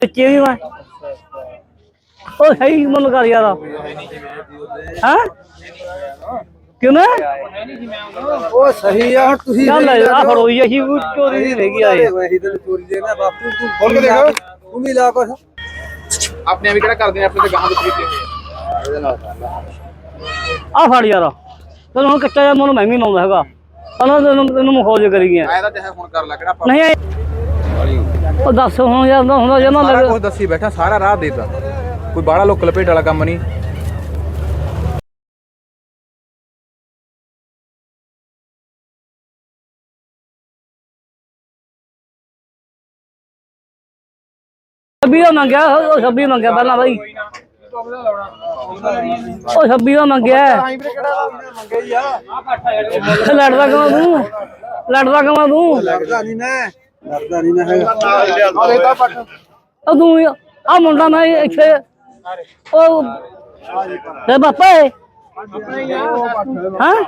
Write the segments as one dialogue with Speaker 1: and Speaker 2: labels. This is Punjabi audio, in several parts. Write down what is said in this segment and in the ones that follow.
Speaker 1: ਬੱਚੇ ਵੀ ਮੈਂ ਉਹ ਸਹੀ ਮੁੱਲ ਕਰ ਯਾਰ ਹਾਂ ਕਿਉਂ
Speaker 2: ਉਹ ਸਹੀ ਆ ਹੁਣ ਤੁਸੀਂ
Speaker 1: ਚੱਲ ਆ ਫੜੋ ਜੀ ਅਸੀਂ ਚੋਰੀ ਨਹੀਂ ਹੈਗੀ ਆਏ
Speaker 2: ਵਹੀ ਤੇ ਚੋਰੀ ਦੇ ਨਾ ਬਾਪੂ ਤੂੰ ਖੋਲ ਕੇ ਦੇਖ ਤੂੰ ਵੀ ਲਾ ਕੁਛ
Speaker 3: ਆਪਣੇ ਵੀ ਕਿਹੜਾ ਕਰਦੇ ਨੇ ਆਪਣੇ ਤੇ ਗਾਹਾਂ ਵਿੱਚ ਕੀਤੇ ਹੋਏ
Speaker 1: ਆ ਫੜ ਯਾਰ ਤੈਨੂੰ ਹੁਣ ਕੱਚਾ ਜਿਹਾ ਮੁੱਲ ਮੈਂ ਵੀ ਲਾਉਂਦਾ ਹੈਗਾ ਪਹਿਲਾਂ ਤੈਨੂੰ ਮਖੌਲ ਕਰੀ ਗਿਆ
Speaker 3: ਮੈਂ ਤਾਂ ਚਾਹੇ ਹੁਣ ਕਰ ਲਾ ਕਿਹੜਾ
Speaker 1: ਨਹੀਂ ਉਹ ਦੱਸ ਹੁਣ ਯਾਰ ਹੁੰਦਾ ਜਮਾ
Speaker 3: ਸਾਰਾ ਕੁਝ ਦੱਸੀ ਬੈਠਾ ਸਾਰਾ ਰਾਹ ਦੇਤਾ ਕੋਈ ਬਾੜਾ ਲੋਕ ਲਪੇਟ ਵਾਲਾ ਕੰਮ ਨਹੀਂ
Speaker 1: ਛੱਬੀ ਦਾ ਮੰਗਿਆ ਉਹ 26 ਮੰਗਿਆ ਪਹਿਲਾਂ ਬਾਈ ਉਹ 26 ਦਾ ਮੰਗਿਆ ਲੜਦਾ ਕਮਾ ਤੂੰ
Speaker 2: ਲੜਦਾ ਨਹੀਂ ਮੈਂ ਹੈਗਾ
Speaker 1: ਉਹ ਤੂੰ ਆ ਮੁੰਡਾ ਮੈਂ ਇੱਥੇ ਉਹ ਤੇ ਬਾਪਾ ਹੈ ਹਾਂ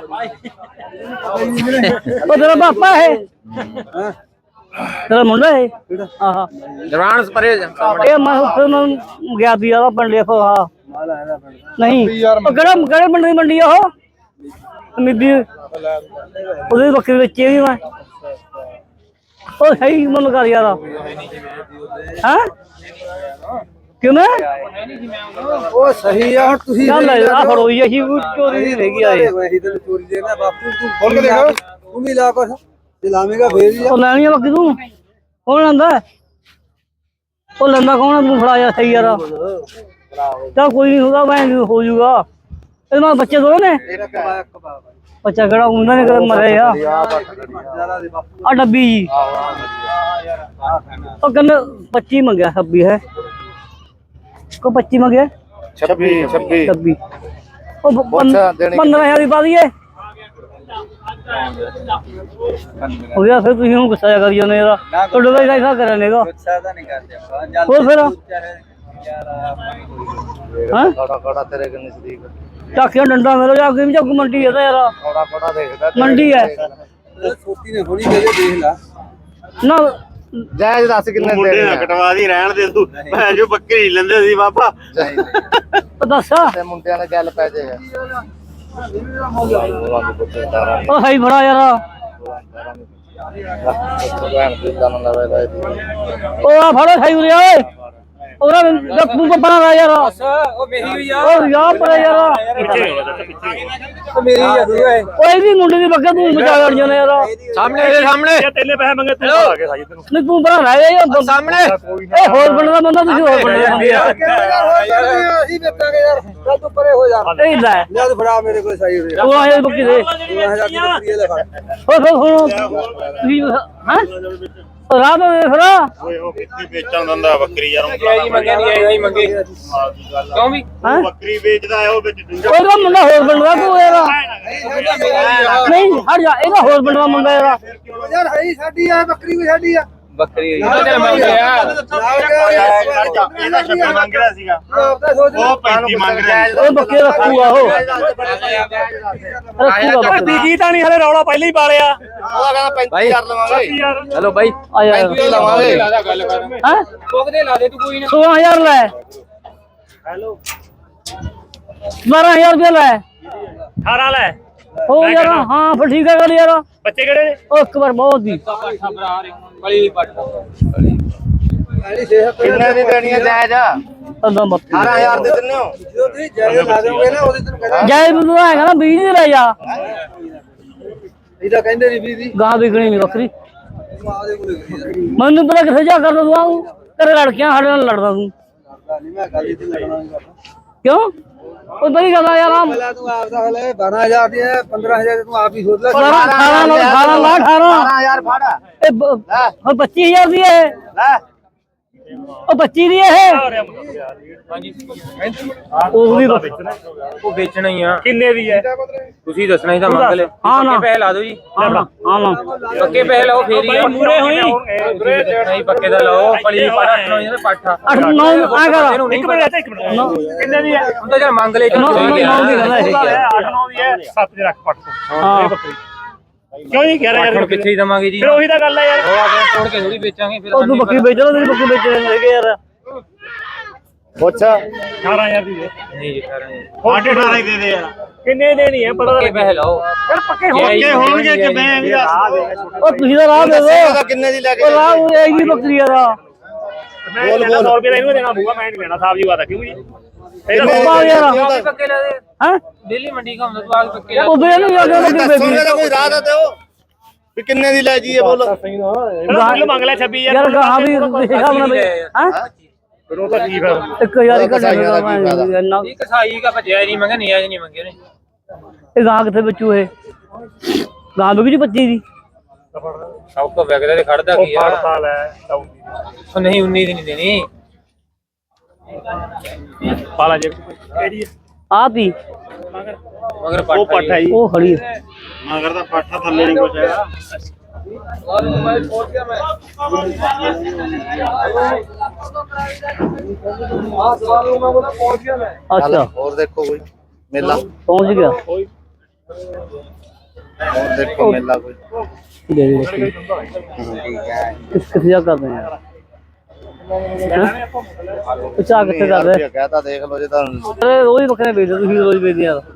Speaker 1: ਉਹ ਤੇਰਾ ਬਾਪਾ ਹੈ ਤੇਰਾ ਮੁੰਡਾ ਹੈ ਆਹਾ
Speaker 3: ਜਵਾਨ ਪਰੇ
Speaker 1: ਇਹ ਮੈਂ ਫਿਰ ਮੈਂ ਗਿਆ ਦੀ ਆ ਪਿੰਡ ਦੇਖੋ ਆ ਨਹੀਂ ਉਹ ਕਿਹੜੇ ਪਿੰਡ ਦੀ ਮੰਡੀ ਆ ਉਹ ਮਿੱਦੀ ਉਹਦੇ ਬੱਕਰੀ ਵੇਚੀ ਵੀ ਮੈਂ ਉਹ ਸਹੀ ਮੁੱਲ ਕਰ ਯਾਰ ਹਾਂ ਕਿਉਂ
Speaker 2: ਉਹ ਸਹੀ ਆ ਹੁਣ ਤੁਸੀਂ
Speaker 1: ਚੱਲ ਆ ਫੜੋ ਜੀ ਅਸੀਂ ਚੋਰੀ ਨਹੀਂ ਹੈਗੀ ਆਏ
Speaker 2: ਵਹੀ ਤੇ ਚੋਰੀ ਦੇ ਨਾ ਬਾਪੂ ਤੂੰ ਖੋਲ ਕੇ ਦੇਖ ਤੂੰ ਵੀ ਲਾ ਕੁਛ ਤੇ ਲਾਵੇਂਗਾ ਫੇਰ ਹੀ
Speaker 1: ਉਹ ਲੈਣੀ ਆ ਬੱਕਰੀ ਤੂੰ ਕੌਣ ਲੈਂਦਾ ਉਹ ਲੈਂਦਾ ਕੌਣ ਆ ਤੂੰ ਫੜਾ ਜਾ ਸਹੀ ਯਾਰ ਚੱਲ ਕੋਈ ਨਹੀਂ ਹੋਗਾ ਮੈਂ ਹੋ ਜਾਊਗਾ ਇਹ ਨਾਲ ਬੱਚੇ ਦੋ ਨੇ ਬੱਚਾ ਕਿਹੜਾ ਉਹਨਾਂ ਨੇ ਕਦੇ ਮਰੇ ਆ ਆ ਡੱਬੀ ਜੀ ਉਹ ਕਹਿੰਦੇ 25 ਮੰਗਿਆ 26 ਹੈ ਕੋ 25 ਮੰਗਿਆ 26 ਉਹ 15,000 ਦੀ ਪਾ ਦਈਏ ਹੋ ਗਿਆ ਫਿਰ ਤੁਸੀਂ ਹੁਣ ਗੁੱਸਾ ਕਰੀ ਜਾਂਦੇ ਯਾਰ ਤੁਹਾਡੇ ਦਾ ਐਸਾ ਕਰਿਆ ਨੇਗਾ
Speaker 2: ਗੁੱਸਾ ਤਾਂ ਨਹੀਂ ਕਰਦੇ
Speaker 1: ਹੋਰ ਫਿਰ ਹਾਂ
Speaker 2: ਕੜਾ ਤੇਰੇ ਕੇ ਨਜ਼ਦੀਕ
Speaker 1: ਚਾਕਿਆ ਡੰਡਾ ਮੇਰਾ ਜਾ ਕੇ ਵੀ ਚੱਕ ਮੰਡੀ ਹੈ ਤਾਂ ਯਾਰ
Speaker 2: ਕੜਾ ਦੇਖਦਾ
Speaker 1: ਮੰਡੀ ਹੈ
Speaker 2: ਛੋਟੀ ਨੇ ਹੋਣੀ ਚਾਹੀਦੀ ਦੇਖ ਲਾ
Speaker 1: ਨਾ
Speaker 3: ਜਾਇਜ਼ ਦੱਸ ਕਿੰਨੇ
Speaker 4: ਮੁੰਡੇ ਨਾ ਕਟਵਾ ਦੀ ਰਹਿਣ ਦੇ ਤੂੰ ਮੈਂ ਜੋ ਬੱਕਰੀ ਲੈਂਦੇ ਸੀ ਬਾਬਾ
Speaker 1: ਦੱਸ
Speaker 3: ਤੇ ਮੁੰਡਿਆਂ ਨਾਲ ਗੱਲ ਪੈ ਜਾਏਗਾ
Speaker 1: ਉਹ ਸਹੀ ਫੜਾ ਯਾਰ ਉਹ ਆ ਫੜੋ ਸਹੀ ਉਰੇ ਓਏ ਉਹਦਾ ਤੂੰ ਤਾਂ ਬਣਾ ਯਾਰ
Speaker 2: ਉਹ ਮੇਰੀ ਹੋਈ ਆ
Speaker 1: ਉਹ ਯਾਰ ਪਰੇ ਯਾਰ
Speaker 2: ਉਹ ਮੇਰੀ ਆ ਤੂੰ ਓਏ
Speaker 1: ਓਏ ਵੀ ਮੁੰਡੇ ਦੀ ਬੱਕਾ ਤੂੰ ਬਚਾ ਲੜ ਜਾਣਾ ਯਾਰ
Speaker 3: ਸਾਹਮਣੇ
Speaker 4: ਤੇਲੇ ਪੈਸੇ ਮੰਗੇ ਤੂੰ ਆ ਕੇ ਸਾਜੀ ਤੈਨੂੰ
Speaker 1: ਨਹੀਂ ਤੂੰ ਬਣਾ ਰਹਿ ਜਾ
Speaker 3: ਸਾਹਮਣੇ
Speaker 1: ਇਹ ਹੋਰ ਬਣਦਾ ਬੰਦਾ ਤੁਸੀਂ ਹੋਰ ਬਣਦਾ ਬੰਦੇ ਆ
Speaker 2: ਅਸੀਂ ਵੇਚਾਂਗੇ ਯਾਰ ਚੱਲ ਤੂੰ ਪਰੇ ਹੋ ਜਾ
Speaker 1: ਇਹ ਲੈ
Speaker 2: ਲੈ ਤੂੰ ਫੜਾ ਮੇਰੇ ਕੋਲ ਸਹੀ ਹੋਈ
Speaker 1: ਉਹ ਆਏ ਬੱਕੀ ਦੇ
Speaker 2: ਲੈ ਫੜ
Speaker 1: ਹੋ ਤੁਸੀਂ ਹਾਂ ਰਾਤ ਨੂੰ ਦੇਖ ਲਾ
Speaker 4: ਓਏ ਉਹ ਕਿੱਥੇ ਵੇਚਣ ਦਿੰਦਾ ਬੱਕਰੀ ਯਾਰ
Speaker 3: ਜੀ ਮੰਗਿਆ ਨਹੀਂ ਆਈ ਮੰਗੇ ਕਿਉਂ ਵੀ
Speaker 1: ਹਾਂ
Speaker 4: ਬੱਕਰੀ ਵੇਚਦਾ ਹੈ ਉਹ ਵਿੱਚ ਡੂੰਗਾ
Speaker 1: ਉਹਦਾ ਮੁੰਡਾ ਹੋਰ ਬਣਦਾ ਤੂੰ ਯਾਰ ਨਹੀਂ ਹਟ ਜਾ ਇਹਦਾ ਹੋਰ ਬਣਦਾ ਮੁੰਡਾ ਯਾਰ
Speaker 2: ਯਾਰ ਹੈ ਸਾਡੀ ਆ ਬੱਕਰੀ ਵੀ ਸਾਡੀ ਆ
Speaker 3: ਬੱਕਰੀ ਇਹਦਾ ਮੰਗਿਆ
Speaker 4: ਇਹਦਾ 26 ਮੰਗ ਰਿਹਾ ਸੀਗਾ
Speaker 2: ਆਪਦਾ ਸੋਚ
Speaker 4: ਉਹ 35 ਮੰਗ ਰਿਹਾ
Speaker 1: ਉਹ ਬੱਕੇ ਰੱਖੂਗਾ ਉਹ ਰੱਖੂਗਾ
Speaker 4: ਬੀਜੀ ਤਾਂ ਨਹੀਂ ਹਲੇ ਰੌਲਾ ਪਹਿਲਾਂ ਹੀ ਪਾਲਿਆ
Speaker 3: ਉਹ ਕਹਿੰਦਾ 35 ਕਰ ਲਵਾਂਗੇ ਹੈਲੋ ਬਾਈ
Speaker 1: ਆ ਯਾਰ
Speaker 3: 35 ਲਵਾਂਗੇ
Speaker 1: ਹਾਂ
Speaker 3: ਕੋਕਦੇ ਲਾ ਦੇ ਤੂੰ ਕੋਈ ਨਾ
Speaker 1: 16000 ਲੈ
Speaker 4: ਹੈਲੋ
Speaker 1: 12000 ਰੁਪਏ ਲੈ
Speaker 4: 18 ਲੈ
Speaker 1: ਹੋ ਯਾਰ ਹਾਂ ਫਿਰ ਠੀਕ ਹੈ ਗੱਲ ਯਾਰ
Speaker 4: ਬੱਚੇ ਕਿਹੜੇ ਨੇ
Speaker 1: ਉਹ ਇੱਕ ਵਾਰ ਬਹੁਤ ਦੀ
Speaker 3: ਕਿੰਨੇ ਦੀ ਦੇਣੀ ਹੈ ਜਾਇਜ਼
Speaker 1: ਅੱਲਾ ਮੱਤ
Speaker 3: 18000 ਦੇ ਦਿੰਨੇ ਹੋ
Speaker 2: ਜਦੋਂ ਤੁਸੀਂ ਜਾਇਜ਼ ਲਾ ਦੋਗੇ ਨਾ ਉਹਦੇ ਤੈਨੂੰ ਕਹਿੰਦਾ
Speaker 1: ਜਾਇ ਮੈਨੂੰ ਹੈਗਾ ਨਾ 20 ਦੀ ਲੈ ਜਾ
Speaker 2: ਇਹਦਾ ਕਹਿੰਦੇ ਨਹੀਂ ਵੀ ਦੀ
Speaker 1: ਗਾਂ ਵਿਕਣੀ ਨਹੀਂ ਬੱਕਰੀ
Speaker 2: ਆਦੇ ਕੋਲ ਕਰੀ
Speaker 1: ਮੈਨੂੰ ਪਤਾ ਕਿੱਥੇ ਜਾ ਕਰਦਾ ਤੂੰ ਤੇਰੇ ਲੜਕਿਆਂ ਸਾਡੇ ਨਾਲ ਲੜਦਾ ਤੂੰ
Speaker 2: ਨਹੀਂ ਮੈਂ ਗੱਲ ਇੱਥੇ ਲੜਨਾ ਨਹੀਂ ਕਰਦਾ
Speaker 1: ਕਿਉਂ ਉਹ ਬੜੀ ਗੱਲ ਆ ਯਾਰ ਆ
Speaker 2: ਪਹਿਲਾਂ ਤੂੰ ਆਪਦਾ ਹਲੇ 12000 ਦੀ 15000 ਤੂੰ ਆਪ ਹੀ ਸੋਚ ਲੈ
Speaker 1: 18 ਲਾ
Speaker 3: 18000 ਫੜ
Speaker 1: ਇਹ 25000 ਦੀ ਹੈ
Speaker 3: ਲੈ
Speaker 1: ਉਹ 25 ਦੀ ਹੈ ਉਹ ਵੀ
Speaker 3: ਉਹ ਵੇਚਣਾ ਹੀ ਆ
Speaker 4: ਕਿੰਨੇ ਦੀ ਹੈ
Speaker 3: ਤੁਸੀਂ ਦੱਸਣਾ ਹੀ ਤਾਂ ਮੰਗ ਲੈ
Speaker 1: ਹਾਂ ਨਾ
Speaker 3: ਪੈਸੇ ਲਾ ਦਿਓ ਜੀ
Speaker 1: ਹਾਂ ਨਾ
Speaker 3: ਪੱਕੇ ਪੈਸੇ ਲਾਓ ਫੇਰ ਹੀ
Speaker 4: ਮੂਰੇ ਹੋਈ
Speaker 3: ਨਹੀਂ ਪੱਕੇ ਦਾ ਲਾਓ ਪਲੀ ਪਾਠਾ ਸੁਣਾਓ ਇਹਦੇ ਪਾਠਾ
Speaker 1: 8 9 ਆ ਕਰ
Speaker 4: ਇੱਕ ਮਿੰਟ ਇੱਕ ਮਿੰਟ ਕਿੰਨੇ ਦੀ ਹੈ
Speaker 3: ਹੁਣ ਤਾਂ ਜਰ ਮੰਗ ਲੈ
Speaker 1: ਨੌ ਦੀ ਗੱਲ ਹੈ
Speaker 4: 8 9 ਦੀ ਹੈ 7 ਦੇ ਰੱਖ ਪੱਟ
Speaker 1: ਹਾਂ।
Speaker 4: ਇਹ ਬੱਕਰੀ ਕਿਉਂ ਨਹੀਂ ਕਹਿ ਰਿਹਾ
Speaker 3: ਹੁਣ
Speaker 4: ਯਾਰ
Speaker 3: ਕਿੱਥੇ ਹੀ ਦਵਾਂਗੇ ਜੀ
Speaker 4: ਫਿਰ ਉਹੀ ਤਾਂ ਗੱਲ ਹੈ ਯਾਰ
Speaker 3: ਉਹ ਆ ਕੇ ਤੋੜ ਕੇ ਥੋੜੀ ਵੇਚਾਂਗੇ ਫਿਰ
Speaker 1: ਉਹ ਤੂੰ ਬੱਕਰੀ ਵੇਚ ਲੈ ਤੇਰੀ ਬੱਕਰੀ ਵੇਚ ਹੈਗੇ ਯਾਰ
Speaker 4: ਪੁੱਛ
Speaker 1: 18000 ਦੀ ਦੇ
Speaker 2: ਨਹੀਂ ਜੀ 18
Speaker 4: ਸਾਢੇ 18 ਹੀ ਦੇ ਦੇ ਯਾਰ
Speaker 1: ਕਿੰਨੇ ਦੇਣੀ ਹੈ ਪਤਾ
Speaker 2: ਪੱਕੇ ਪੈਸੇ ਲਾਓ
Speaker 1: ਯਾਰ ਪੱਕੇ
Speaker 4: ਪੱਕੇ ਹੋਣਗੇ ਕਿ ਮੈਂ ਵੀ
Speaker 1: ਉਹ ਤੁਸੀਂ ਤਾਂ ਰਾਹ ਦੇ
Speaker 4: ਦੱਸੇਗਾ
Speaker 1: ਦੋ
Speaker 4: ਕਿੰਨੇ ਦੀ ਲੈ ਕੇ
Speaker 1: ਉਹ ਰਾਹ ਉਹ ਇਹ ਜੀ ਬੱਕਰੀ ਦਾ
Speaker 4: ਬੋਲ
Speaker 1: 100 ਰੁਪਏ ਦਾ ਇਹਨੂੰ ਦੇਣਾ ਪਊਗਾ ਮੈਂ ਨਹੀਂ ਦੇਣਾ ਸਾਹਿਬ ਜੀ ਵਾਦਾ ਕਿਉਂ ਜੀ ਇਹਦਾ ਯਾਰ
Speaker 2: ਪੱਕੇ ਲਾ ਦੇ
Speaker 1: ਹਾਂ
Speaker 2: ਦਿੱਲੀ ਮੰਡੀ ਘੁੰਮਦਾ ਤੂੰ ਆ ਕੇ ਪੱਕੇ ਲਾ
Speaker 1: ਉਹ ਦੇ ਨੂੰ ਜਾ ਕੇ ਬੱਕਰੀ
Speaker 4: ਦੱਸੋਗੇ ਤਾਂ ਕੋਈ ਰਾਹ ਤਾਂ ਦਿਓ ਵੀ ਕਿੰਨੇ ਦੀ ਲੈ ਜੀਏ ਬੋਲ
Speaker 1: ਮੁੱਲ ਮੰਗ ਲੈ 26000 ਯਾਰ ਗਾਹਾਂ ਵੀ ਹਿਸਾਬ ਨਾਲ ਹਾਂ
Speaker 3: ਫਿਰ ਉਹ ਤਾਂ ਕੀ ਫਿਰ
Speaker 1: 1000 ਹੀ ਘਟਿਆ ਇੰਨਾ
Speaker 2: ਇਹ ਕਸਾਈ ਦਾ ਭਜਿਆ ਨਹੀਂ ਮੰਗਿਆ ਨਹੀਂ ਆਜ ਨਹੀਂ ਮੰਗੇ ਨੇ
Speaker 1: ਇਹ ਗਾਂ ਕਿੱਥੇ ਬੱਚੂ ਇਹ ਗਾਂ ਵੀ 25 ਦੀ
Speaker 2: ਸਭ ਤੋਂ ਵਗਦਾ ਤੇ ਖੜਦਾ ਕੀ ਆ
Speaker 3: ਫੜਤਾ ਲੈ
Speaker 2: ਉਹ ਨਹੀਂ 19 ਦੀ ਨਹੀਂ ਦੇਣੀ
Speaker 3: ਪਾਲਾ ਜੇ ਕਿਹੜੀ
Speaker 1: ਆ ਤੀ
Speaker 2: ਮਗਰ
Speaker 3: ਉਹ ਪੱਠ ਹੈ ਜੀ
Speaker 1: ਉਹ ਖੜੀ ਹੈ
Speaker 4: ਮਗਰ ਦਾ ਪਾਠਾ ਥੱਲੇ ਨਹੀਂ ਕੁਛ ਹੈਗਾ
Speaker 1: ਅੱਛਾ
Speaker 4: ਹੋਰ ਦੇਖੋ ਕੋਈ ਮੇਲਾ
Speaker 1: ਪਹੁੰਚ ਗਿਆ
Speaker 4: ਹੋਰ ਦੇਖੋ ਮੇਲਾ ਕੋਈ
Speaker 1: ਦੇ ਦੇ ਬੱਕਰੀ। ਕਿੱਥੇ ਜਾ ਕਰਦੇ ਆ ਪੁੱਛਾ ਕਿੱਥੇ ਕਰਦੇ
Speaker 4: ਕਹਤਾ ਦੇਖ ਲਓ ਜੇ ਤੁਹਾਨੂੰ
Speaker 1: ਅਰੇ ਰੋਜ਼ ਬੱਕਰੇ ਵੇਚਦੇ ਤੁਸੀਂ ਰੋਜ਼ ਵੇਚਦੇ ਯਾਰ